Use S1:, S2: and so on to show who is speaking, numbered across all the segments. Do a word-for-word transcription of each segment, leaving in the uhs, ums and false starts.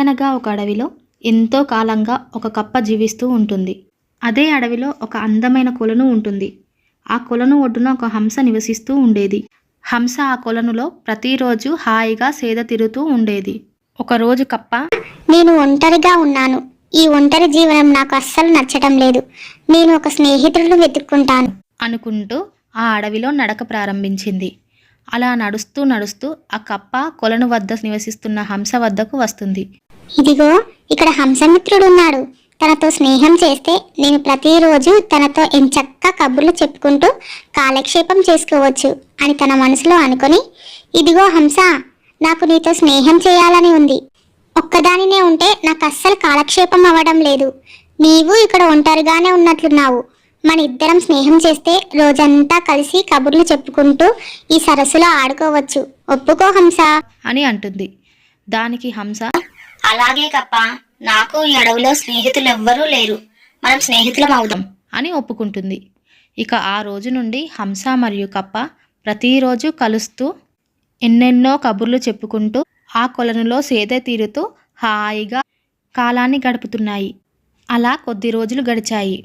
S1: అనగనగా ఒక అడవిలో ఎంతో కాలంగా ఒక కప్ప జీవిస్తూ ఉంటుంది. అదే అడవిలో ఒక అందమైన కొలను ఉంటుంది. ఆ కొలను ఒడ్డున ఒక హంస నివసిస్తూ ఉండేది. హంస ఆ కొలనులో ప్రతిరోజు హాయిగా సేద తీరుతూ ఉండేది. ఒకరోజు కప్ప,
S2: నేను ఒంటరిగా ఉన్నాను. ఈ ఒంటరి జీవనం నాకు అస్సలు నచ్చటం లేదు. నేను ఒక స్నేహితుడిని వెతుక్కుంటాను
S1: అనుకుంటూ ఆ అడవిలో నడక ప్రారంభించింది. అలా నడుస్తూ నడుస్తూ ఆ కప్ప కొలను వద్ద నివసిస్తున్న హంస వద్దకు వస్తుంది.
S2: ఇదిగో ఇక్కడ హంసమిత్రుడున్నాడు. తనతో స్నేహం చేస్తే నేను ప్రతిరోజు తనతో ఎంచక్కా కబుర్లు చెప్పుకుంటూ కాలక్షేపం చేసుకోవచ్చు అని తన మనసులో అనుకొని, ఇదిగో హంస, నాకు నీతో స్నేహం చేయాలని ఉంది. ఒక్కదానినే ఉంటే నాకు అస్సలు కాలక్షేపం అవ్వడం లేదు. నీవు ఇక్కడ ఒంటరిగానే ఉన్నట్లున్నావు. మన ఇద్దరం స్నేహం చేస్తే రోజంతా కలిసి కబుర్లు చెప్పుకుంటూ ఈ సరస్సులో ఆడుకోవచ్చు. ఒప్పుకో హంస
S1: అని అంటుంది. దానికి హంస,
S2: అలాగే కప్ప, నాకు ఈ అడవిలో స్నేహితులు ఎవ్వరూ లేరు. మనం స్నేహితులం అవుదాం
S1: అని ఒప్పుకుంటుంది. ఇక ఆ రోజు నుండి హంస మరియు కప్ప ప్రతిరోజు కలుస్తూ ఎన్నెన్నో కబుర్లు చెప్పుకుంటూ ఆ కొలనులో సేద తీరుతూ హాయిగా కాలాన్ని గడుపుతున్నాయి. అలా కొద్ది రోజులు గడిచాయి.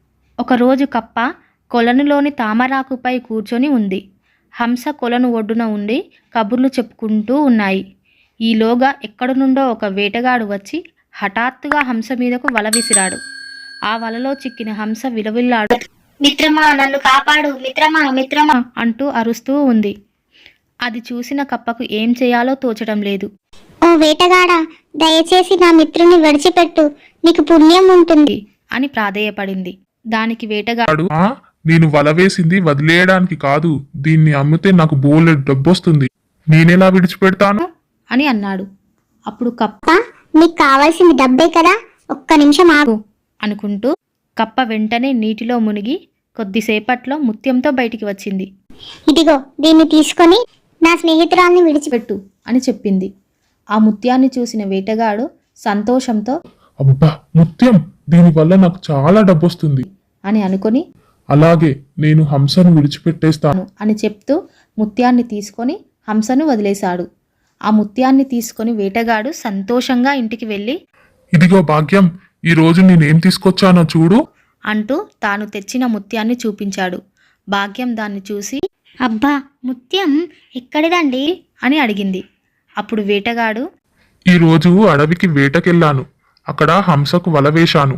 S1: ఒకరోజు కప్ప కొలనులోని తామరాకుపై కూర్చొని ఉంది. హంస కొలను ఒడ్డున ఉండి కబుర్లు చెప్పుకుంటూ ఉన్నాయి. ఈలోగా ఎక్కడి నుండో ఒక వేటగాడు వచ్చి హఠాత్తుగా హంస మీదకు వల విసిరాడు. ఆ వలలో చిక్కిన హంస విలవిల్లాడు,
S2: మిత్రమా, నన్ను కాపాడు, మిత్రమా మిత్రమా
S1: అంటూ అరుస్తూ ఉంది. అది చూసిన కప్పకు ఏం చేయాలో తోచడం లేదు.
S2: ఓ వేటగాడా, దయచేసి నా మిత్రుని విడిచిపెట్టు, నీకు పుణ్యం ఉంటుంది
S1: అని ప్రాధేయపడింది. దానికి వేటగాడు,
S3: ఆ, నేను వల వేసింది వదిలేయడానికి కాదు. దీన్ని అమ్మితే నాకు బోలెడు డబ్బొస్తుంది. నేనెలా విడిచిపెడతాను
S1: అని అన్నాడు. అప్పుడు కప్ప,
S2: నీకు కావాల్సింది డబ్బే కదా, ఒక్క నిమిషం ఆగు
S1: అనుకుంటూ కప్ప వెంటనే నీటిలో మునిగి కొద్దిసేపట్లో ముత్యంతో బయటికి వచ్చింది.
S2: ఇదిగో దీన్ని తీసుకొని నా స్నేహితురాల్ని విడిచిపెట్టు
S1: పెట్టు అని చెప్పింది. ఆ ముత్యాన్ని చూసిన వేటగాడు సంతోషంతో,
S3: అబ్బా, ముత్యం, దీనివల్ల నాకు చాలా డబ్బొస్తుంది
S1: అని అనుకొని,
S3: అలాగే నేను హంసను విడిచిపెట్టేస్తాను
S1: అని చెప్తూ ముత్యాన్ని తీసుకొని హంసను వదిలేశాడు. ఆ ముత్యాన్ని తీసుకొని వేటగాడు సంతోషంగా ఇంటికి వెళ్ళి,
S3: ఇదిగో భాగ్యం, ఈ రోజు నేనేం తీసుకొచ్చానో చూడు
S1: అంటూ తాను తెచ్చిన ముత్యాన్ని చూపించాడు. భాగ్యం దాన్ని చూసి,
S2: అబ్బా, ముత్యం ఎక్కడిదండి
S1: అని అడిగింది. అప్పుడు వేటగాడు,
S3: ఈ రోజు అడవికి వేటకెళ్ళాను. అక్కడ హంసకు వల వేశాను.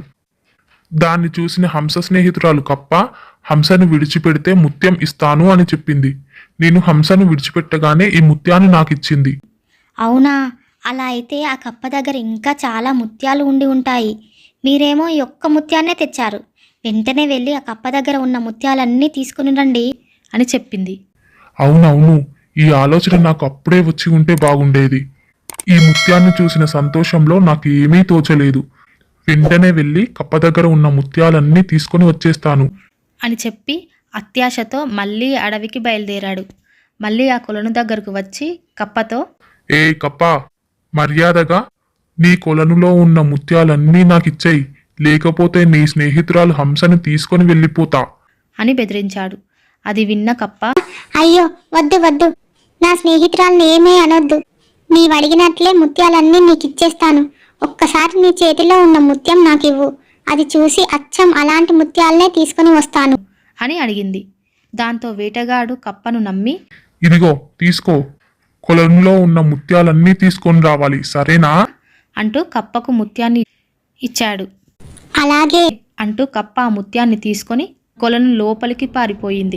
S3: దాన్ని చూసిన హంస స్నేహితురాలు కప్ప హంసను విడిచిపెడితే ముత్యం ఇస్తాను అని చెప్పింది. నేను హంసను విడిచిపెట్టగానే ఈ ముత్యాన్ని నాకిచ్చింది.
S2: అవునా, అలా అయితే ఆ కప్ప దగ్గర ఇంకా చాలా ముత్యాలు ఉండి ఉంటాయి. మీరేమో ఈ ఒక్క ముత్యాన్నే తెచ్చారు. వెంటనే వెళ్ళి ఆ కప్ప దగ్గర ఉన్న ముత్యాలన్నీ తీసుకుని రండి
S1: అని చెప్పింది.
S3: అవునవును, ఈ ఆలోచన నాకు అప్పుడే వచ్చి ఉంటే బాగుండేది. ఈ ముత్యాన్ని చూసిన సంతోషంలో నాకు ఏమీ తోచలేదు. వెంటనే వెళ్ళి కప్ప దగ్గర ఉన్న ముత్యాలన్నీ తీసుకొని వచ్చేస్తాను
S1: అని చెప్పి అత్యాశతో మళ్ళీ అడవికి బయలుదేరాడు. మళ్ళీ ఆ కొలను దగ్గరకు వచ్చి కప్పతో,
S3: ఏ కప్ప, మర్యాదగా నీ కొలనులో ఉన్న ముత్యాలన్నీ నాకిచ్చేయి, లేకపోతే నీ స్నేహితురాలు హంసను తీసుకొని వెళ్ళిపోతా
S1: అని బెదిరించాడు. అది విన్న కప్ప,
S2: అయ్యో వద్దు వద్దు, నా స్నేహితురాల్ని ఏమీ అనొద్దు. నీవు అడిగినట్లే ముత్యాలన్నీ నీకు ఇచ్చేస్తాను. ఒక్కసారి నీ చేతిలో ఉన్న ముత్యం నాకివ్వు. అది చూసి అచ్చం అలాంటి ముత్యాలనే తీసుకుని వస్తాను
S1: అని అడిగింది. దాంతో వేటగాడు కప్పను నమ్మి,
S3: ఇదిగో తీసుకో, కొలనులో ఉన్న ముత్యాలన్నీ తీసుకొని రావాలి, సరేనా
S1: అంటూ కప్పకు ముత్యాన్ని ఇచ్చాడు.
S2: అలాగే
S1: అంటూ కప్ప ఆ ముత్యాన్ని తీసుకొని కొలను లోపలికి పారిపోయింది.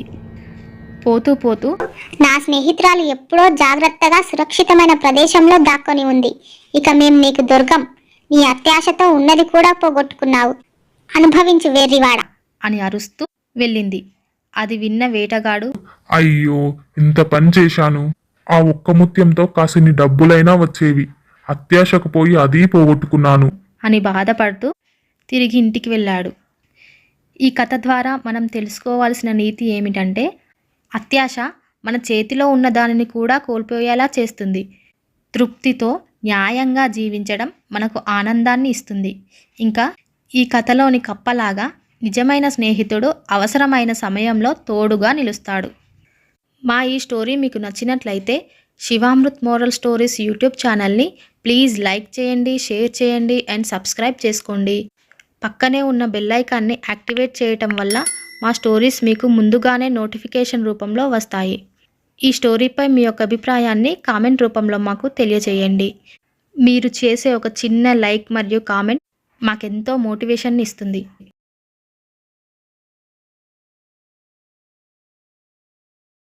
S1: పోతూ పోతూ,
S2: నా స్నేహితురాలు ఎప్పుడో జాగ్రత్తగా సురక్షితమైన ప్రదేశంలో దాక్కొని ఉంది. ఇక మేం నీకు దుర్గం. నీ అత్యాశతో ఉన్నది కూడా పోగొట్టుకున్నావు. అనుభవించు వెర్రివాడ
S1: అని అరుస్తూ వెళ్ళింది. అది విన్న వేటగాడు,
S3: అయ్యో, ఇంత పని చేశాను. ఆ ఒక్క ముత్యంతో కాసిని డబ్బులైనా వచ్చేవి. అత్యాశకు పోయి అదీ పోగొట్టుకున్నాను
S1: అని బాధపడుతూ తిరిగి ఇంటికి వెళ్ళాడు. ఈ కథ ద్వారా మనం తెలుసుకోవాల్సిన నీతి ఏమిటంటే, అత్యాశ మన చేతిలో ఉన్న దానిని కూడా కోల్పోయేలా చేస్తుంది. తృప్తితో న్యాయంగా జీవించడం మనకు ఆనందాన్ని ఇస్తుంది. ఇంకా ఈ కథలోని కప్పలాగా నిజమైన స్నేహితుడు అవసరమైన సమయంలో తోడుగా నిలుస్తాడు. మా ఈ స్టోరీ మీకు నచ్చినట్లయితే శివామృత్ మోరల్ స్టోరీస్ యూట్యూబ్ ఛానల్ని ప్లీజ్ లైక్ చేయండి, షేర్ చేయండి అండ్ సబ్స్క్రైబ్ చేసుకోండి. పక్కనే ఉన్న బెల్ ఐకాన్ని యాక్టివేట్ చేయటం వల్ల మా స్టోరీస్ మీకు ముందుగానే నోటిఫికేషన్ రూపంలో వస్తాయి. ఈ స్టోరీపై మీ యొక్క అభిప్రాయాన్ని కామెంట్ రూపంలో మాకు తెలియజేయండి. మీరు చేసే ఒక చిన్న లైక్ మరియు కామెంట్ మాకెంతో మోటివేషన్ ఇస్తుంది.